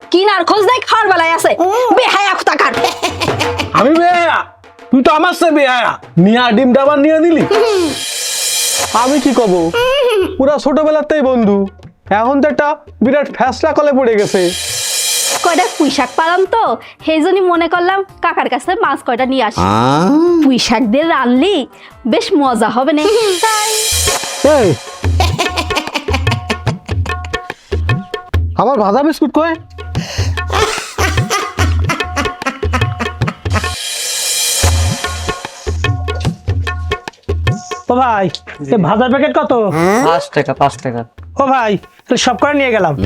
কিনার খোঁজ নাই খাওয়ার বেলায় আছে বেহায়া কোথাকার। আমি বেহায়া? তুই তো আমার সে বেহায়া, নিয়া ডিমটা আবার নিয়ে দিলি। আমি কি কব, পুরা ছোটবেলাতেই বন্ধু, এখন তো একটা বিরাট ফ্যাসলা কলে পড়ে গেছে। কয়টা পুঁই শাক পালাম তো, সেই জন্য মনে করলাম কাকার কাছে মাছ কয়টা নিয়ে আসি। পুঁই শাক দিয়ে রানলি বেশ মজা হবে না তাই। এই আমার ভাজা বিস্কুট কই? ও ভাই এই ভাজার প্যাকেট কত? 5 টাকা 5 টাকা। ও ভাই তাহলে সব করে নিয়ে গেলাম।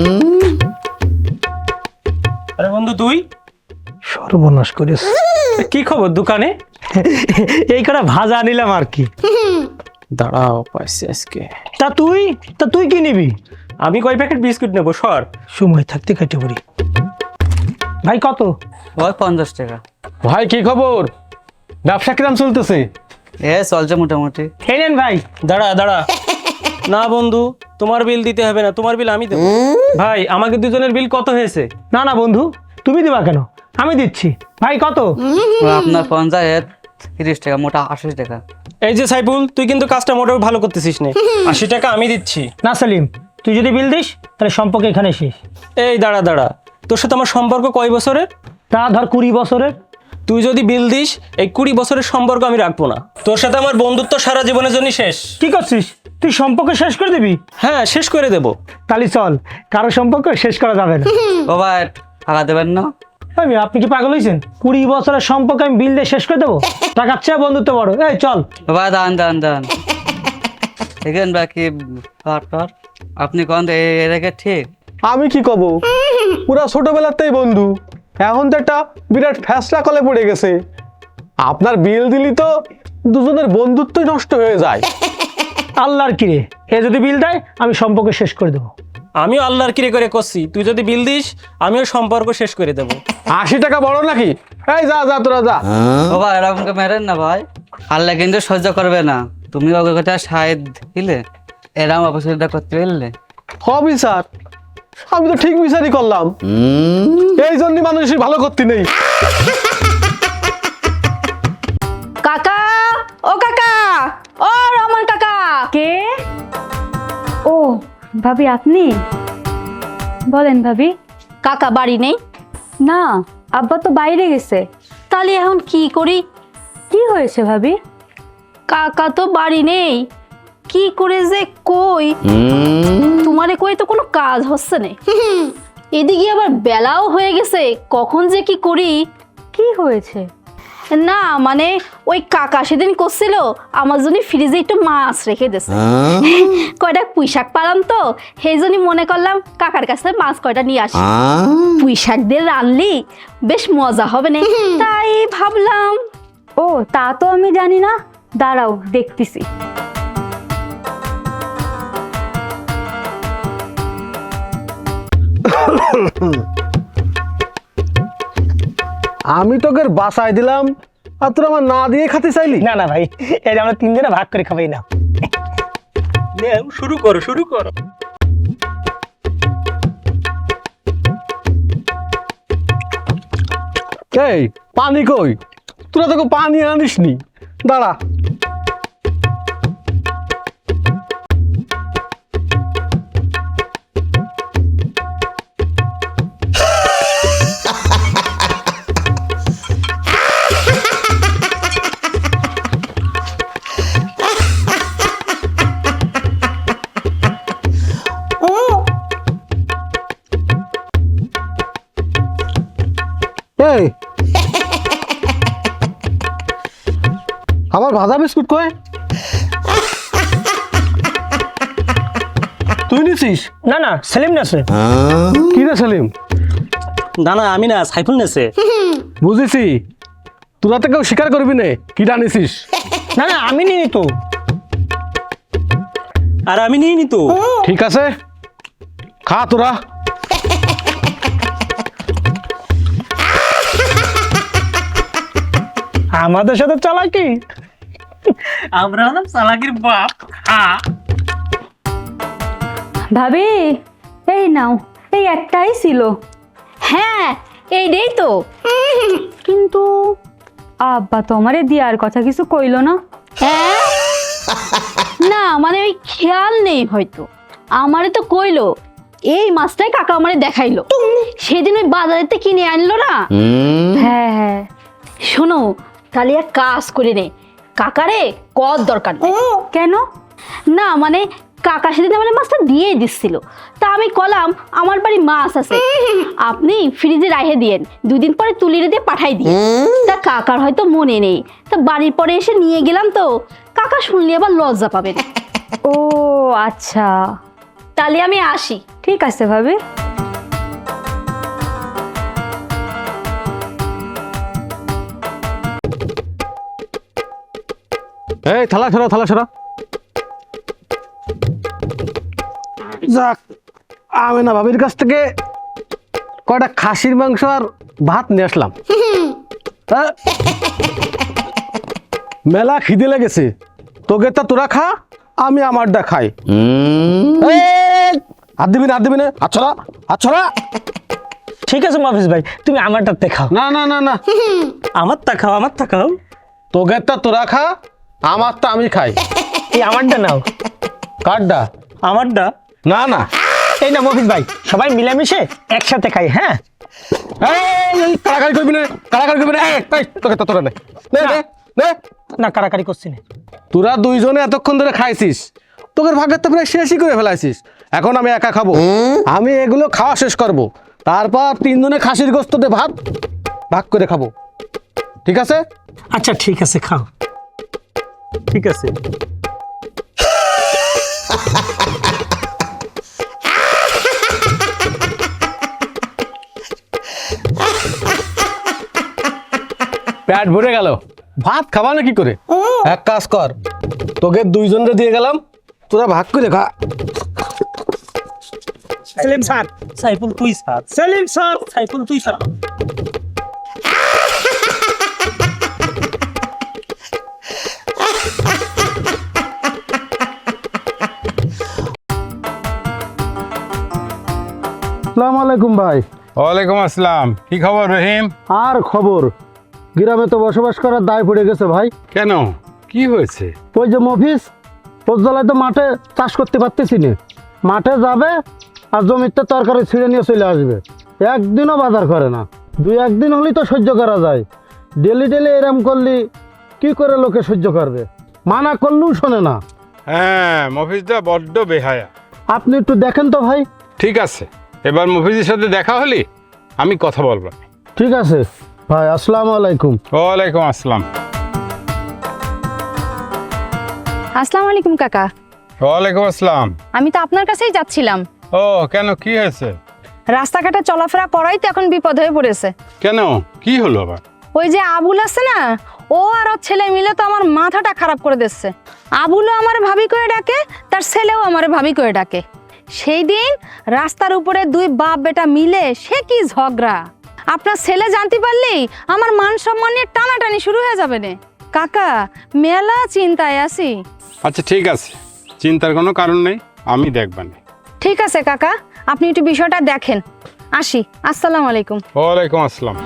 আরে বন্ধু তুই সর্বনাশ করিস। কি খবর দোকানে? এই কটা ভাজা নিলাম আর কি। দাঁড়াও পাইছি আজকে। তা তুই কি নিবি? আমি কয় প্যাকেট বিস্কুট নেবো সর। সময় থাকতে কেটে পড়ি। ভাই কত? ওই 50 টাকা। ভাই কি খবর, ব্যবসা কিরাম চলতেছে? চলছে মোটামুটি। এই নেন ভাই। দাঁড়া না বন্ধু, তোমার বিল দিতে হবে না, তোমার বিল আমি দেবো। ভাই আমাকে দুজনের বিল কত হয়েছে? না বন্ধু তুমি দিবা কেন, আমি দিচ্ছি। ভাই কত? আপনার 50 30 টাকা, মোটা 80 টাকা। এই যে সাইফুল, তুই কিন্তু কাজটা মোটেও ভালো করতেছিস না। 80 টাকা আমি দিচ্ছি। না সেলিম, তুই যদি বিল দিস তাহলে সম্পর্ক এখানে শেষ। এই দাঁড়া, তোর সাথে আমার সম্পর্ক কয় বছরের? তা ধর 20 বছরের। তুই যদি বিল দিস এই 20 বছরের সম্পর্ক আমি রাখবো না। তোর সাথে আমার বন্ধুত্ব সারা জীবনের জন্য শেষ। কি করছিস তুই, সম্পর্ক শেষ করে দিবি? হ্যাঁ শেষ করে দেবো। তাহলে চল, কারো সম্পর্ক শেষ করা যাবে না। ও ভাই টাকা দেবেন না? আপনি কি পাগল হয়েছেন? 20 বছরের সম্পর্ক আমি বিল দিয়ে শেষ করে দেবো? টাকার চেয়ে বন্ধুত্ব বড়। এই চল। ও ভাই দান দেখেন বাকি পার আপনি কোন এটাকে ঠিক? আমি কি কব, পুরা ছোটবেলাতেই বন্ধু, এখন তো একটা বিরাট ফ্যাসলা কলে পড়ে গেছে। আপনার বিল দিলি তো দুজনের বন্ধুত্বই নষ্ট হয়ে যায়। আল্লাহর কিরে, এ যদি বিল দেয় আমি সম্পর্ক শেষ করে দেবো। আমিও আল্লাহর কিরে করে করছি, তুই যদি বিল দিস আমিও সম্পর্ক শেষ করে দেবো। 80 টাকা বড় নাকি? এই যা তোরা যা। ও ভাই এরকম মেরেন না ভাই, আল্লাহ কিন্তু সহ্য করবে না। তুমি ওকে কথা সাহেব দিলে, এরকম অপছন্দটা করতে পারলে। হবি স্যার, আমি তো ঠিক বিচারই করলাম, এই জন্য মানুষই ভালো করতে নেই। কাকা, ও কাকা, ও রমন কাকা। কে? ও ভাবি আপনি? বলেন ভাবি। কাকা বাড়ি নেই? না, আব্বা তো বাইরে গেছে। তাহলে এখন কি করি? কি হয়েছে ভাবি? কাকা তো বাড়ি নেই, কি করে যে কই তোমারে কই তো কোনো কাজ হচ্ছে না। এদিকে আবার বেলাও হয়ে গেছে, কখন যে কি করি। কি হয়েছে? না মানে ওই কাকা সেদিন করছিল আমার জন্য ফ্রিজে একটু মাছ রেখে দিয়েছে। কয়টা পুঁই শাক পালাম তো, সেই জন্য মনে করলাম কাকার কাছে মাছ কয়টা নিয়ে আসি। পুঁই শাক দিয়ে রানলি বেশ মজা হবে না তাই ভাবলাম। ও তা তো আমি জানি না, দাঁড়াও দেখতেছি। আমি তোকে বাসায় দিলাম আর তোর আমার না দিয়ে খাতে চাইলি? না ভাই, এটা আমরা 3 জনে ভাগ করে খাবাই না। শুরু করো। এই পানি কই? তোরা তোকে পানি আনিস নি, দাঁড়া। এই আমার ভাজা বিস্কুট কই? তুই নিছিস? না সেলিম না সে। কি রে সেলিম? না আমি না, সাইফুল নেছে। বুঝেছি, তোরা তো কেউ স্বীকার করবি না কিটা নিছিস। না আমি নিই তো। আর আমি নিয়ে নি তো। ঠিক আছে, খা তোরা। আমাদের সাথে চালাকি। আমরা হলাম চালাকির বাপ। ভাবি এই নাও, এই একটাই ছিল। হ্যাঁ এইটাই তো। কিন্তু আব্বা তো আমারে দিয়ার কথা কিছু কইলো না। হ্যাঁ না মানে ওই খেয়াল নেই হয়তো, আমারে তো কইলো এই মাছটাই কাকা আমারে দেখাইলো, সেদিন ওই বাজারেতে কিনে আনলো না। হ্যাঁ হ্যাঁ। শোনো তাহলে এক কাজ করে নে, কাকারে কর দরকার নেই। কেন? না মানে কাকা সেদিন আমার মাছটা দিয়ে দিচ্ছিল, তা আমি কলাম আমার বাড়ি মাছ আছে, আপনি ফ্রিজে রাখে দিয়েন, 2 দিন পরে তুলিরে দিয়ে পাঠাই দিন। তা কাকার হয়তো মনে নেই, তা বাড়ির পরে এসে নিয়ে গেলাম, তো কাকা শুনলে আবার লজ্জা পাবেন। ও আচ্ছা, তাহলে আমি আসি। ঠিক আছে ভাবি। এই থালা ছড়া, থালা ছড়া। যাক, আমি না ভাবির কাছ থেকে কয়টা খাসির মাংস আর ভাত নিয়ে আসলাম। হ্যাঁ? মেলা খিদে লেগেছে, তোকে তা তোরা খা, আমি আমারটা খাই। এই, হাত দিবি না, হাত দিবি না, হাত ছড়া, হাত ছড়া। ঠিক আছে মফিজ ভাই, তুমি আমারটা খাও। না না না না, আমারটা খাও, আমারটা খাও। তোকে তা তোরা খা, আমারটা আমি খাই। এই আমারটা নাও। কারটা? আমারটা না না, এই না মফিজ ভাই, সবাই মিলেমিশে একসাথে খাই। হ্যাঁ এই কারাকারি করবি না, কারাকারি করবি না। এই তোকে তা তোরা নে, নে নে নে। না, কারাকারি করছি না। তোরা দুইজনে এতক্ষণ ধরে খাইছিস, তোদের ভাগের তো প্রায় শেষই করে ফেলাইছিস। এখন আমি একা খাবো, আমি এগুলো খাওয়া শেষ করব, তারপর 3 জনে খাসির গোস্ততে ভাত ভাগ করে খাবো, ঠিক আছে? আচ্ছা ঠিক আছে, খাও। ঠিক আছে। পেট ভরে গেল, ভাত খাবা না কি করে? এক কাজ কর, তোকে দুইজনরে দিয়ে গেলাম, তোরা ভাগ করে খা। সেলিম স্যার, সাইফুল তুই স্যার। সেলিম স্যার, সাইফুল তুই স্যার। আসসালামু আলাইকুম ভাই। ওয়ালাইকুম আসসালাম। কি খবর রহিম? আর খবর, গ্রামে তো বসবাস করার দায় পড়ে গেছে ভাই। কেন, কি হয়েছে? ওই যে মফিজ, পৌঁছালায় তো মাঠে চাষ করতে পারতেছি না, মাঠে যাবে আর জমিতে তরকারি ছিঁড়ে নিয়ে চলে আসবে, একদিনও বাজার করে না। 2-1 দিন হলেই তো সহ্য করা যায়, ডেলি ডেলি এরম করলি কি করে লোকে সহ্য করবে? মানা করলেও শোনে না। হ্যাঁ, মফিজদা বড্ড বেহায়া। আপনি একটু দেখেন তো ভাই। ঠিক আছে, এবার মফিজের সাথে দেখা হলে আমি কথা বলবো। ঠিক আছে ভাই, আসসালামু আলাইকুম। ওয়ালাইকুম আসসালাম। আসসালামু আলাইকুম কাকা। ওয়ালাইকুম আসসালাম। আমি তো আপনার কাছেই যাচ্ছিলাম। ও কেন, কি হয়েছে? রাস্তাঘাটে চলাফেরা করাই তো এখন বিপদ হয়ে পড়েছে। কেন, কি হলো আবার? ওই যে আবুল আছে না, ও আর ওর ছেলে মিলে তো আমার মাথাটা খারাপ করে দিচ্ছে। আবুলও আমার ভাবি করে ডাকে, তার ছেলেও আমার ভাবি করে ডাকে। সেই দিন রাস্তার উপরে 2 বাপ বেটা মিলে সে কি ঝগড়া, আপনার ছেলে জানতে পারলেই আমার মান সম্মান নিয়ে টানাটানি শুরু হয়ে যাবে না। কাকা মেলা চিন্তায় আছি। আচ্ছা ঠিক আছে, চিন্তার কোনো কারণ নেই, আমি দেখবানি। ঠিক আছে কাকা, আপনি একটু বিষয়টা দেখেন। আসি, আসসালামু আলাইকুম। ওয়ালাইকুম আসসালাম।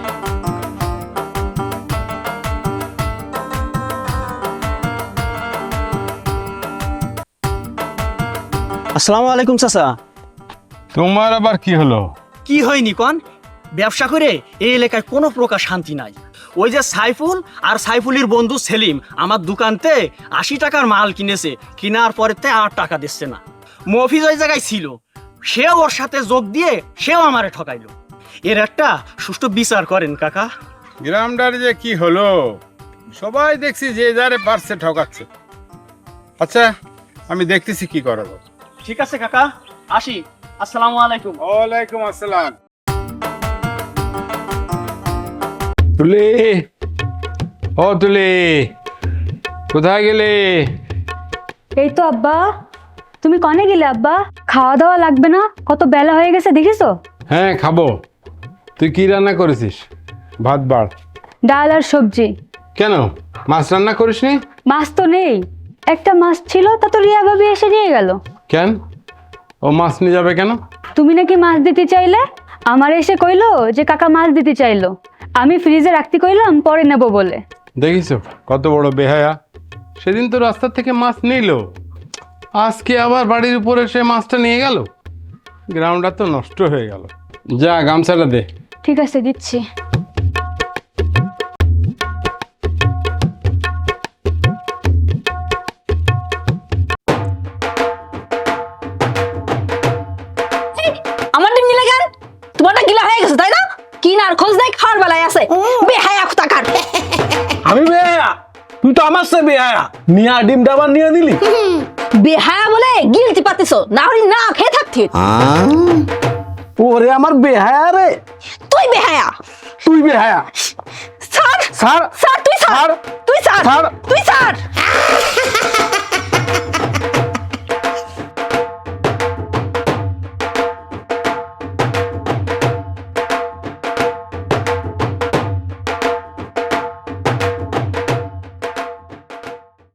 আসসালামু আলাইকুম চাচা। তোমার আবার কি হলো? কি হয়নি কন? ব্যবসা করে এই এলাকায় কোনো প্রকার শান্তি নাই। ওই যে সাইফুল আর সাইফুলের বন্ধু সেলিম আমার দোকানতে 80 টাকার মাল কিনেছে, কেনার পরে 8 টাকা দিচ্ছে না। মফিজ ওই জায়গায় ছিল, সেও ওর সাথে যোগ দিয়ে সেও আমারে ঠকাইলো। এর একটা সুষ্ঠু বিচার করেন কাকা। গ্রামটার যে কি হলো, সবাই দেখছি যে যারে পারছে ঠকাচ্ছে। আচ্ছা, আমি দেখতেছি কি করা যায়। ঠিক আছে কাকা, আসি, আসসালামু আলাইকুম। ওয়ালাইকুম আসসালাম। তুলি, ও তুলি, কোথায় গেলে? এই তো আব্বা। তুমি কনে গেলে আব্বা? খাওয়া দাওয়া লাগবে না? কত বেলা হয়ে গেছে দেখিছো? হ্যাঁ খাবো। তুই কি রান্না করেছিস? ভাত বাড়। ডাল আর সবজি। কেন, মাছ রান্না করিসনি? মাছ তো নেই, একটা মাছ ছিল, তা তো রিয়া ভাবি এসে নিয়ে গেল। কেন, ও মাছ নিয়ে যাবে কেন? তুমি নাকি মাছ দিতে চাইলে, আমার এসে কইলো যে কাকা মাছ দিতে চাইলো, আমি ফ্রিজে রাখতে কইলাম পরে নেব বলে। দেখিস কত বড় বেহায়া, সেদিন তো রাস্তা থেকে মাছ নিল, আজকে আবার বাড়ির উপরে সে মাছটা নিয়ে গেল। গ্রাউন্ডটা তো নষ্ট হয়ে গেল। যা গামছাটা দে। ঠিক আছে, দিচ্ছি। আমার ডিম নিলে কেন? তোমারটা গিলা হয়ে গেছে তাই না? কিনার খোঁজ নাই, খাওয়ার বেলায় আছে বেহায়া কোথাকার। আমি বেহায়া? তুই তো আমার সে বেহায়া, নিয়ে ডিমটা আবার নিয়ে নিলি। বেহায়া বলে গিলতি পাতিছো, না হলে না খেয়ে থাকতি। ওরে আমার বেহায়া রে। তুই বেহায়া। তুই বেহায়া। স্যার স্যার স্যার তুই স্যার, তুই স্যার, স্যার। তুই স্যার।